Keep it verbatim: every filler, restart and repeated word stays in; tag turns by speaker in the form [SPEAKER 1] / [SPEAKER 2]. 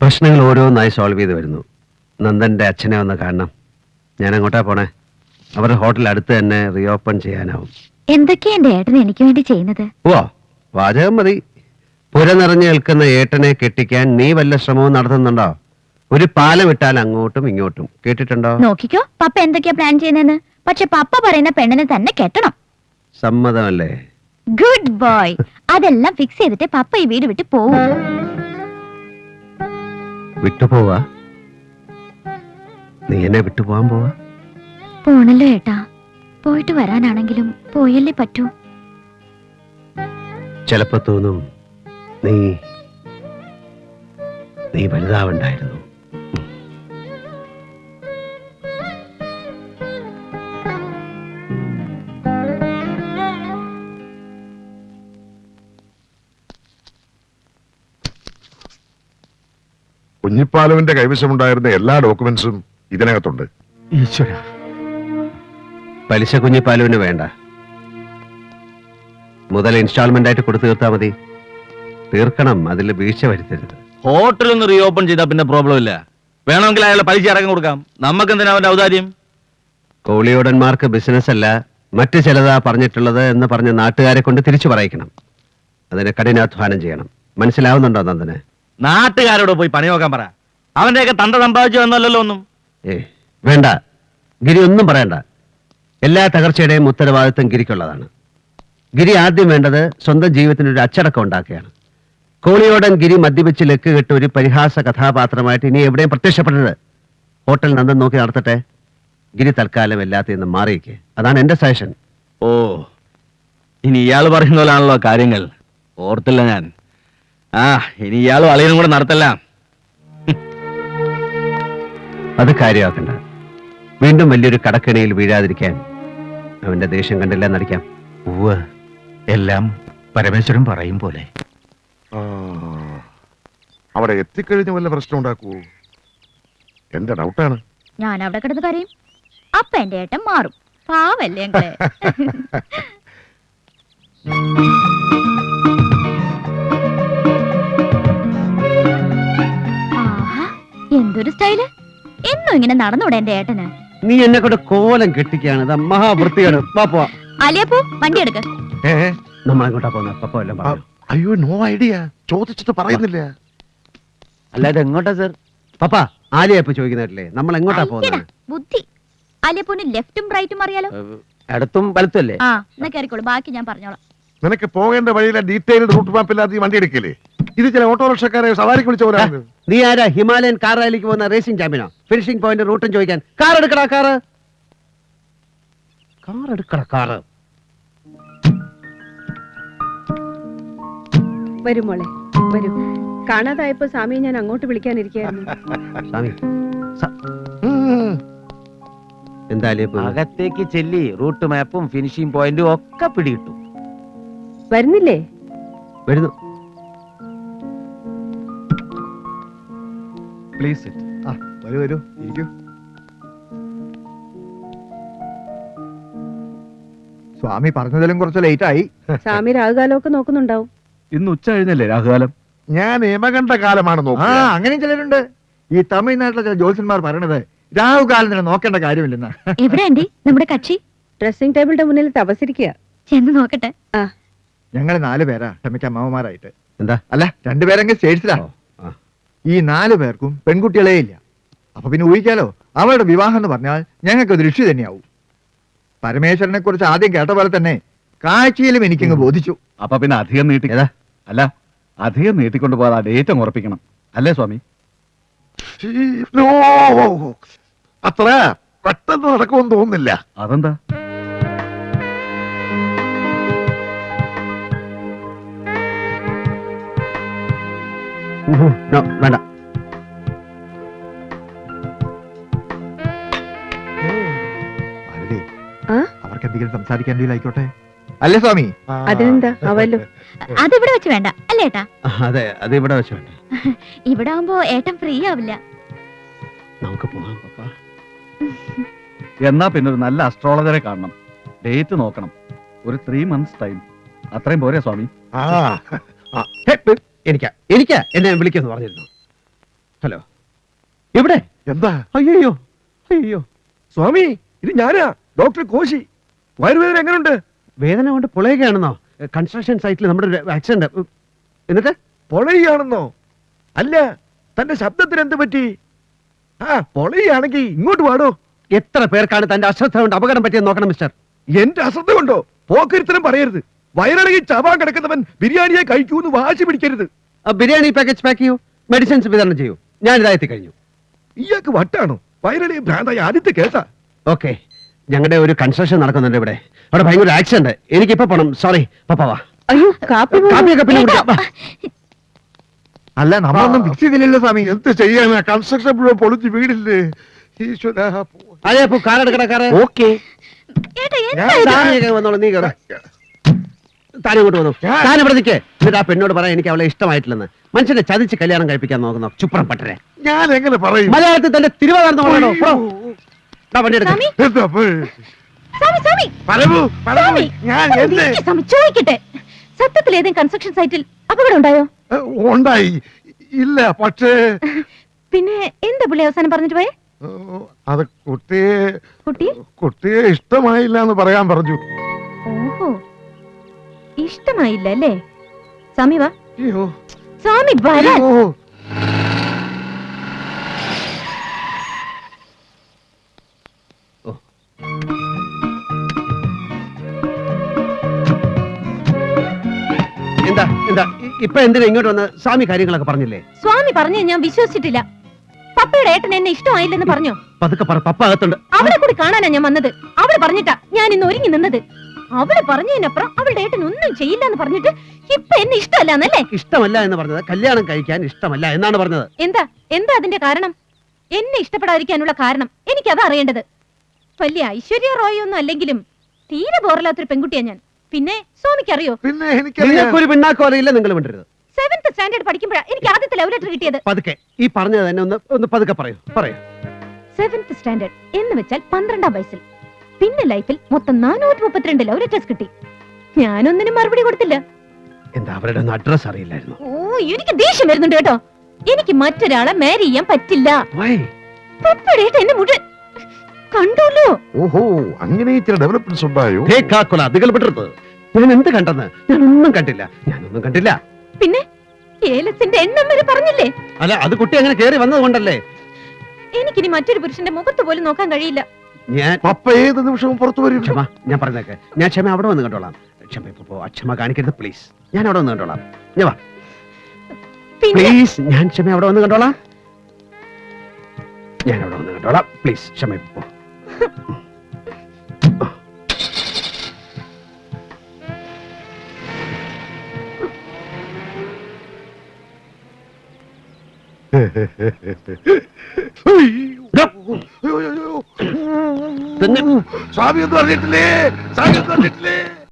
[SPEAKER 1] പ്രശ്നങ്ങൾ ഓരോന്നായി സോൾവ് ചെയ്ത് വരുന്നു. നന്ദന്റെ അച്ഛനെ ഒന്ന് കാണണം. ഞാൻ അങ്ങോട്ടാ പോണേ. അവരുടെ ഹോട്ടൽ അടുത്ത് തന്നെ റീഓപ്പൺ ചെയ്യാനാവും.
[SPEAKER 2] എന്തൊക്കെയാ എന്റെ ഏട്ടൻ എനിക്ക് വേണ്ടി ചെയ്യുന്നത്?
[SPEAKER 1] ഓ, വാചകം മതി. പുര നിറഞ്ഞു നിൽക്കുന്ന ഏട്ടനെ കെട്ടിക്കാൻ നീ വല്ല ശ്രമവും നടത്തുന്നുണ്ടോ? ഒരു പാലം ഇട്ടാൽ അങ്ങോട്ടും ഇങ്ങോട്ടും. കേട്ടിട്ടുണ്ടോ?
[SPEAKER 2] നോക്കിക്കോ പപ്പ എന്തൊക്കെയാ പ്ലാൻ ചെയ്യുന്നതെന്ന്. പക്ഷെ പപ്പ പറയുന്ന പെണ്ണിനെ തന്നെ കെട്ടണം.
[SPEAKER 1] സമ്മതമല്ലേ?
[SPEAKER 2] Good boy. അതെല്ലാം ഫിക്സ് ചെയ്തിട്ട് പപ്പ ഈ വീട് വിട്ട് പോവും.
[SPEAKER 1] വിട്ടുപോവാ? നീ എന്നെ വിട്ടുപോവാൻ പോവാ?
[SPEAKER 2] പോണല്ലോ ഏട്ടാ. പോയിട്ട് വരാനാണെങ്കിലും പോയല്ലേ പറ്റൂ.
[SPEAKER 1] ചിലപ്പോ തോന്നും നീ നീ വലുതാവണ്ടായിരുന്നു.
[SPEAKER 3] കുഞ്ഞിപ്പാലുവിന്റെ കൈവശമുണ്ടായിരുന്ന എല്ലാ ഡോക്യുമെന്റ്സും ഇതിനകത്തുണ്ട്.
[SPEAKER 1] ഈശ്വര, പലിശ കുഞ്ഞിപ്പാലുവിന് വേണ്ട. മുതൽ ഇൻസ്റ്റാൾമെന്റ് ആയിട്ട് കൊടുത്തു തീർത്താ മതി. തീർക്കണം, അതിൽ വീഴ്ച വരുത്തരുത്.
[SPEAKER 4] ഹോട്ടൽ ഒന്ന് റീഓപ്പൺ ചെയ്താൽ പിന്നെ പ്രോബ്ലം ഇല്ല. വേണമെങ്കിൽ അയാളെ പലിശ അടക്കം കൊടുക്കാം. നമുക്ക് എന്തിനാ അവന്റെ ഔദാര്യം?
[SPEAKER 1] കോളിയോടന്മാർക്ക് ബിസിനസ് അല്ല മറ്റു ചിലതാ പറഞ്ഞിട്ടുള്ളത് എന്ന് പറഞ്ഞ് നാട്ടുകാരെ കൊണ്ട് തിരിച്ചു പറയിക്കണം. അതിന് കഠിനാധ്വാനം ചെയ്യണം. മനസ്സിലാവുന്നുണ്ടോ നന്ദന്?
[SPEAKER 4] നാട്ടുകാരോട് പോയി പണി നോക്കാൻ പറ. അവന്റെയൊക്കെ തണ്ട സമ്പാദിച്ചു എന്നല്ലല്ലോ ഒന്നും.
[SPEAKER 1] ഏ വേണ്ട, ഗിരി ഒന്നും പറയണ്ട. എല്ലാ തകർച്ചയുടെയും ഉത്തരവാദിത്വം ഗിരിക്കുള്ളതാണ്. ഗിരി ആദ്യം വേണ്ടത് സ്വന്തം ജീവിതത്തിനൊരു അച്ചടക്കം ഉണ്ടാക്കുകയാണ്. കോളിയോടൻ ഗിരി മദ്യപിച്ച് ലക്ക് കെട്ട് ഒരു പരിഹാസ കഥാപാത്രമായിട്ട് ഇനി എവിടെയും പ്രത്യക്ഷപ്പെടരുത്. ഹോട്ടൽ നന്ദൻ നോക്കി നടത്തട്ടെ. ഗിരി തൽക്കാലം എല്ലാത്തിൽ നിന്നും മാറിയിക്കേ. അതാണ് എന്റെ സജഷൻ.
[SPEAKER 4] ഓ, ഇനി ഇയാൾ പറയുന്ന പോലാണല്ലോ കാര്യങ്ങൾ. ഓർത്തില്ല ഞാൻ. ആ, ഇനി ഇയാളും അളിയനും കൂടെ നടത്തല്ല.
[SPEAKER 1] അത് കാര്യമാക്കണ്ട. വീണ്ടും വലിയൊരു കടക്കിണിയിൽ വീഴാതിരിക്കാൻ അവന്റെ ദേഷ്യം കണ്ടില്ല നടിക്കാം.
[SPEAKER 5] ഉവ്വ്, എല്ലാം പരമേശ്വരൻ പറയും പോലെ.
[SPEAKER 3] ആ, അവിടെ എത്തിക്കഴിഞ്ഞ് വല്ല പ്രശ്നം ഉണ്ടാക്കൂ എന്റെ ഡൗട്ടാണ്.
[SPEAKER 2] ഞാൻ അവിടെ കിടന്ന് കരയും. അപ്പ എന്റെ ഏട്ടൻ മാറും. പാവല്ലേ ഞങ്ങളെ. ആഹാ, എന്തൊരു സ്റ്റൈല്. എന്നും ഇങ്ങനെ നടന്നൂടെ എന്റെ ഏട്ടന്?
[SPEAKER 1] നീ എന്നെ കൊണ്ട് കോലം കെട്ടിക്കാണ്. മഹാവൃത്തിയാണ്.
[SPEAKER 2] അലിയപ്പോ വണ്ടി എടുക്ക.
[SPEAKER 1] നമ്മളെങ്ങോട്ടാ പോകുന്ന പപ്പ എല്ലാം പറഞ്ഞു.
[SPEAKER 3] അയ്യോ, നോ ഐഡിയ. ചോദിച്ചിട്ട് പറയുന്നില്ല.
[SPEAKER 1] അല്ലാതെ എങ്ങോട്ടാ സർ? പപ്പ ആലിയപ്പ ചോദിക്കുന്നില്ലേ നമ്മൾ എങ്ങോട്ടാ പോകുന്നത്?
[SPEAKER 2] ബുദ്ധി. അലിയപ്പോന് ലെഫ്റ്റും റൈറ്റും അറിയാലോ.
[SPEAKER 1] ഇടത്തും വലത്തും അല്ലേ?
[SPEAKER 2] ആ, എന്നാ കയറിക്കോളൂ. ബാക്കി ഞാൻ പറഞ്ഞോളാം.
[SPEAKER 3] നിനക്ക് പോകേണ്ട വഴിയിലെ ഡീറ്റെയിൽഡ് റൂട്ട് മാപ്പ് ഇല്ലാതെ ഈ വണ്ടി എടുക്കില്ലേ? ഇത് ചില ഓട്ടോറിക്ഷക്കാരെ സവാരിക്ക് വിളിച്ച പോലാണ്.
[SPEAKER 1] നീ ആരാ ഹിമാലയൻ കാർ റാലിക്ക് പോകുന്ന റേസിംഗ് ചാമ്പ്യനോ? ഫിനിഷിംഗ് പോയിന്റ് റൂട്ടും ചോദിക്കാൻ? കാർ എടുക്കടാ, കാറ് കാർ എടുക്കടാ, കാറ്.
[SPEAKER 6] വരും മോളെ, വരൂ. കാണാതായപ്പോ സ്വാമിയെ ഞാൻ അങ്ങോട്ട് വിളിക്കാനിരിക്കായിരുന്നു.
[SPEAKER 1] സ്വാമി, എന്താ അലിയപ്പ?
[SPEAKER 4] അകത്തേക്ക് ചെല്ലി റൂട്ട് മാപ്പും ഫിനിഷിംഗ് പോയിന്റും ഒക്കെ പിടികിട്ടു.
[SPEAKER 6] വരുന്നില്ലേ?
[SPEAKER 1] വരുന്നു.
[SPEAKER 5] പ്ലീസ് വരൂ വരൂ, ഇരിക്കൂ. സ്വാമി പറഞ്ഞതിലും കുറച്ച് ലേറ്റ് ആയി.
[SPEAKER 6] സ്വാമി രാഹുകാലമൊക്കെ നോക്കുന്നുണ്ടാവും.
[SPEAKER 5] ഇന്ന് ഉച്ച കഴിഞ്ഞല്ലേ രാഹുകാലം?
[SPEAKER 3] ഞാൻ യമകണ്ഠ കാലമാണ്
[SPEAKER 5] ആ,
[SPEAKER 3] നോക്കുക.
[SPEAKER 5] അങ്ങനെയും ചിലരുണ്ട്. ഈ തമിഴ്നാട്ടിലെ ചില ജ്യോത്സ്യന്മാർ പറയണത് രാഹുകാലം നോക്കേണ്ട കാര്യമില്ലെന്ന്.
[SPEAKER 2] എവിടെ ആന്റി നമ്മുടെ കക്ഷി?
[SPEAKER 6] ഡ്രസ്സിംഗ് ടേബിളിന്റെ മുന്നിൽ തപസിരിക്കുക.
[SPEAKER 2] ചെന്ന് നോക്കട്ടെ.
[SPEAKER 6] ആ,
[SPEAKER 5] ഞങ്ങള് നാല് പേരാ ക്ഷമിക്കാൻ മാമമാരായിട്ട്.
[SPEAKER 1] എന്താ?
[SPEAKER 5] അല്ല, രണ്ടുപേരെങ്കിൽ സ്റ്റേറ്റ്സിലാ.
[SPEAKER 1] ഓ, ആ.
[SPEAKER 5] ഈ നാലു പേർക്കും പെൺകുട്ടികളേ ഇല്ല. അപ്പൊ പിന്നെ ഊഹിക്കാലോ, അവരുടെ വിവാഹം എന്ന് പറഞ്ഞാൽ ഞങ്ങൾക്ക് ദൃഷ്ടി തന്നെയാവും. പരമേശ്വരനെ കുറിച്ച് ആദ്യം കേട്ട പോലെ തന്നെ കാഴ്ചയിലും എനിക്കങ്ങ് ബോധിച്ചു.
[SPEAKER 7] അപ്പൊ പിന്നെ അധികം നീട്ടി അല്ല അധികം നീട്ടിക്കൊണ്ട് പോകാതെ ഡേറ്റ് അങ്ങ് ഉറപ്പിക്കണം അല്ലേ സ്വാമി?
[SPEAKER 3] നോ, അത്ര പെട്ടെന്ന് നടക്കുമെന്ന് തോന്നുന്നില്ല.
[SPEAKER 7] അതെന്താ?
[SPEAKER 1] നോ, വേണ്ട.
[SPEAKER 5] ഭാരതി,
[SPEAKER 6] ആ?
[SPEAKER 5] അവർക്ക് എന്തെങ്കിലും സംസാരിക്കാൻ ആയിക്കോട്ടെ അല്ലേ സ്വാമി?
[SPEAKER 6] അതിനെന്താ അവല്ലോ.
[SPEAKER 2] അതിവിടെ വെച്ച് വേണ്ട അല്ലേ ഏട്ടാ?
[SPEAKER 1] അതെ, അത് ഇവിടെ വെച്ച് വേണ്ട.
[SPEAKER 2] ഇവിടെ ആവുമ്പോ ഏട്ടൻ ഫ്രീ ആവില്ല.
[SPEAKER 1] നമുക്ക് പോകാം പപ്പ.
[SPEAKER 7] എന്നാ പിന്നെ ഒരു നല്ല അസ്ട്രോളജറെ കാണണം. ഡേറ്റ് നോക്കണം. ഒരു ത്രീ മന്ത്സ് ടൈം അത്രയും പോരെ സ്വാമി?
[SPEAKER 3] ആ,
[SPEAKER 1] എനിക്കാ എനിക്കാ എന്നെ വിളിക്കുന്നു പറഞ്ഞിരുന്നു. ഹലോ എവിടെ?
[SPEAKER 3] എന്താ?
[SPEAKER 1] അയ്യോ അയ്യോ
[SPEAKER 8] സ്വാമി ഇത് ഞാനാ ഡോക്ടർ കോശി. വയറുവേദന എങ്ങനെയുണ്ട്?
[SPEAKER 1] വേദന കൊണ്ട് പൊളയുകയാണെന്നോ? കൺസ്ട്രക്ഷൻ സൈറ്റിൽ നമ്മുടെ ഒരു ആക്സിഡന്റ്. എന്നിട്ട്
[SPEAKER 8] പൊളയാണെന്നോ? അല്ല, തന്റെ ശബ്ദത്തിന് എന്ത് പറ്റി? ആ പൊളയാണെങ്കിൽ ഇങ്ങോട്ട് പാടോ.
[SPEAKER 1] എത്ര പേർക്കാണ് തന്റെ അശ്രദ്ധ കൊണ്ട് അപകടം പറ്റിയെന്ന് നോക്കണം മിസ്റ്റർ.
[SPEAKER 8] എന്റെ അശ്രദ്ധ കൊണ്ടോ? പോക്കരുത്തരം പറയരുത്. വയറിളകി ചാവാൻ കിടക്കുന്നവൻ ബിരിയാണിയെ കഴിക്കൂന്ന് വാശി പിടിക്കരുത്.
[SPEAKER 1] ആ ബിരിയാണി പാക്കേജ് പാക്ക് ചെയ്യൂ, മെഡിസിൻസ് വിതരണം ചെയ്യൂ. ഞാൻ ഇതാ എത്തിക്കഴിഞ്ഞു.
[SPEAKER 8] ഇയാൾക്ക് വട്ടാണോ? വയറിളകി ഭ്രാന്തായ ആദ്യത്തെ കേസാ.
[SPEAKER 1] ഓക്കെ, ഞങ്ങളുടെ ഒരു കൺസ്ട്രക്ഷൻ നടക്കുന്നുണ്ട് ഇവിടെ. അവിടെ ഭയങ്കര ആക്സിഡന്റ്. എനിക്കിപ്പോ പോണം. സോറി, പപ്പാവാ.
[SPEAKER 6] അയ്യോ കാപ്പി പോലും-
[SPEAKER 1] കാപ്പിയൊക്കെ പിന്നെ കുടിക്കാം. വാ.
[SPEAKER 5] അല്ല നമ്മളൊന്നും ഫിക്സ് ചെയ്തില്ലല്ലോ സ്വാമി.
[SPEAKER 3] എന്ത് ചെയ്യാനാ? കൺസ്ട്രക്ഷൻ മുഴുവൻ പൊളിച്ച് വീടില്ലേ ഈശ്വരാ.
[SPEAKER 1] അതെ അപ്പൊ കാറെടുക്കട കാറ്.
[SPEAKER 8] ഓക്കെ.
[SPEAKER 2] ഏട്ടാ
[SPEAKER 3] ഞാൻ
[SPEAKER 2] എന്താ ഇത്?
[SPEAKER 1] താനേ വന്നോളൂ, നീ കയറ്. താൻ ഇങ്ങോട്ട് വന്നു. താൻ ഇവിടെ നിൽക്കേ. എന്നിട്ട് ആ പെണ്ണോട് പറയാൻ എനിക്ക് അവളെ ഇഷ്ടമായിട്ടില്ലെന്ന്. മനുഷ്യനെ ചതിച്ച് കല്യാണം കഴിപ്പിക്കാൻ നോക്കുന്നു ചുപ്രം പട്ടരെ.
[SPEAKER 3] ഞാൻ എങ്ങനെ പറയും?
[SPEAKER 1] മലയാളത്തിൽ തന്റെ തിരുവാതിർന്ന് പറയണോ? പ്രോ. ദാ വണ്ടി എടുക്ക്.
[SPEAKER 2] സ്വാമി
[SPEAKER 3] എന്താ അപ്പൊ?
[SPEAKER 2] സ്വാമി സ്വാമി
[SPEAKER 3] പരമു, പരമു,
[SPEAKER 2] സ്വാമി
[SPEAKER 3] ഞാൻ
[SPEAKER 2] സ്വാമി,
[SPEAKER 3] എന്ത്?
[SPEAKER 2] ഇരിക്ക് സ്വാമി, ചോദിക്കട്ടെ. സത്യത്തിൽ ഏതെങ്കിലും കൺസ്ട്രക്ഷൻ സൈറ്റിൽ അപകടം ഉണ്ടായോ?
[SPEAKER 3] ഏ, ഉണ്ടായി. ഇല്ല, പക്ഷേ
[SPEAKER 2] പിന്നെ എന്താ പുള്ളി അവസാനം പറഞ്ഞിട്ട് പോയെ?
[SPEAKER 3] ഏ, അത് കുട്ടിയെ
[SPEAKER 2] കുട്ടി
[SPEAKER 3] കുട്ടിയെ ഇഷ്ടമായില്ല എന്ന് പറയാൻ പറഞ്ഞു.
[SPEAKER 2] ഓഹോ, ഇഷ്ടമായില്ല അല്ലേ? സ്വാമി വാ.
[SPEAKER 3] അയ്യോ,
[SPEAKER 2] സ്വാമി വരാൻ.
[SPEAKER 3] അയ്യോ.
[SPEAKER 1] എന്താ എന്താ ഇ- ഇപ്പൊ എന്തിനാ ഇങ്ങോട്ട് വന്ന്? സ്വാമി കാര്യങ്ങളൊക്കെ പറഞ്ഞില്ലേ?
[SPEAKER 2] സ്വാമി പറഞ്ഞു ഞാൻ വിശ്വസിച്ചിട്ടില്ല. പപ്പയുടെ ഏട്ടൻ എന്നെ ഇഷ്ടമായില്ലെന്ന് പറഞ്ഞോ?
[SPEAKER 1] പതുക്കെ പറ, പപ്പ അകത്തുണ്ട്.
[SPEAKER 2] അവളെ കൂടി കാണാനാ ഞാൻ വന്നത്. അവള് പറഞ്ഞിട്ടാ ഞാൻ ഇന്ന് ഒരുങ്ങി നിന്നത്. അവള് പറഞ്ഞതിനപ്പുറം അവളുടെ ഏട്ടൻ ഒന്നും ചെയ്യില്ല എന്ന് പറഞ്ഞിട്ട് ഇപ്പൊ എന്നെ ഇഷ്ടമല്ലാന്നല്ലേ?
[SPEAKER 1] ഇഷ്ടമല്ല എന്ന് പറഞ്ഞത് കല്യാണം കഴിക്കാൻ ഇഷ്ടമല്ല എന്നാണ് പറഞ്ഞത്.
[SPEAKER 2] എന്താ എന്താ അതിന്റെ കാരണം? എന്നെ ഇഷ്ടപ്പെടാതിരിക്കാനുള്ള കാരണം എനിക്കതാ അറിയേണ്ടത്. വലിയ ഐശ്വര്യ റോയ് ഒന്നും അല്ലെങ്കിലും തീരെ ബോറല്ലാത്തൊരു പെൺകുട്ടിയാ ഞാൻ. പിന്നെ സ്വാമിക്ക് അറിയോ,
[SPEAKER 3] പിന്നെ എനിക്കറിയാം.
[SPEAKER 1] നിങ്ങൾക്കൊരു പിണ്ണാക്കോ അറിയില്ല, നിങ്ങൾ വിണ്ടരുത്.
[SPEAKER 2] സെവൻത് സ്റ്റാൻഡേർഡ് പഠിക്കുമ്പോഴാ എനിക്ക് ആദ്യത്തെ ലവ് ലെറ്റർ കിട്ടിയത്.
[SPEAKER 1] പതുക്കെ ഈ പറഞ്ഞത് തന്നെ ഒന്ന് ഒന്ന് പതുക്കെ പറയൂ പറയൂ.
[SPEAKER 2] സെവൻത് സ്റ്റാൻഡേർഡ് എന്ന് വെച്ചാൽ പന്ത്രണ്ടാം വയസ്സിൽ. പിന്നെ ലൈഫിൽ മൊത്തം നാനൂറ്റി മുപ്പത്തിരണ്ട് ലവ് ലെറ്റേഴ്സ് കിട്ടി. ഞാനൊന്നിനും മറുപടി കൊടുത്തില്ല.
[SPEAKER 1] എന്താ അവരുടെ ഒന്ന് അഡ്രസ് അറിയില്ലായിരുന്നു?
[SPEAKER 2] ഓ എനിക്ക് ദേഷ്യം വരുന്നുണ്ട് കേട്ടോ. എനിക്ക് മറ്റൊരാളെ മാരി ചെയ്യാൻ പറ്റില്ല.
[SPEAKER 1] വൈ?
[SPEAKER 2] പപ്പടേട്ട് എന്നെ മുഴുവൻ കണ്ടല്ലോ.
[SPEAKER 3] ഓഹോ, അങ്ങനെ ചില ഡെവലപ്മെന്റ്സ് ഉണ്ടായോ?
[SPEAKER 1] ഹേ കാക്കുല, അതികൾ വിടരുത്. ഞാൻ എന്ത് കണ്ടെന്ന്? ഞാൻ ഒന്നും കണ്ടില്ല. ഞാനൊന്നും കണ്ടില്ല.
[SPEAKER 2] പിന്നെ ഏലത്തിന്റെ എണ്ണം വരെ പറഞ്ഞില്ലേ?
[SPEAKER 1] അല്ല, അത് കുട്ടി അങ്ങനെ കേറി വന്നത് കൊണ്ടല്ലേ.
[SPEAKER 2] എനിക്കിനി മറ്റൊരു പുരുഷന്റെ മുഖത്ത് പോലും നോക്കാൻ കഴിയില്ല.
[SPEAKER 1] ഞാൻ
[SPEAKER 3] പപ്പ ഏത് നിമിഷവും പുറത്തു വരും.
[SPEAKER 1] ക്ഷമ, ഞാൻ പറഞ്ഞേക്കെ. ഞാൻ ക്ഷമ അവിടെ വന്ന് കണ്ടോളാം. ക്ഷമ ഇപ്പൊ പോ. ക്ഷമ കാണിക്കരുത് പ്ലീസ്. ഞാൻ അവിടെ വന്ന് കണ്ടോളാം. ഞാൻ വാ
[SPEAKER 2] പിന്നെ
[SPEAKER 1] പ്ലീസ്. ഞാൻ ക്ഷമ അവിടെ വന്ന് കണ്ടോളാം. ഞാൻ അവിടെ വന്ന് കണ്ടോളാം പ്ലീസ്. ക്ഷമ ഇപ്പൊ പോ.
[SPEAKER 3] അയ്യോ, അയ്യോ, അയ്യോ.
[SPEAKER 1] തന്നെ
[SPEAKER 3] സ്വാമി ഒന്നും അറിഞ്ഞിട്ടില്ലേ? സ്വാമി ഒന്നും അറിഞ്ഞിട്ടില്ലേ?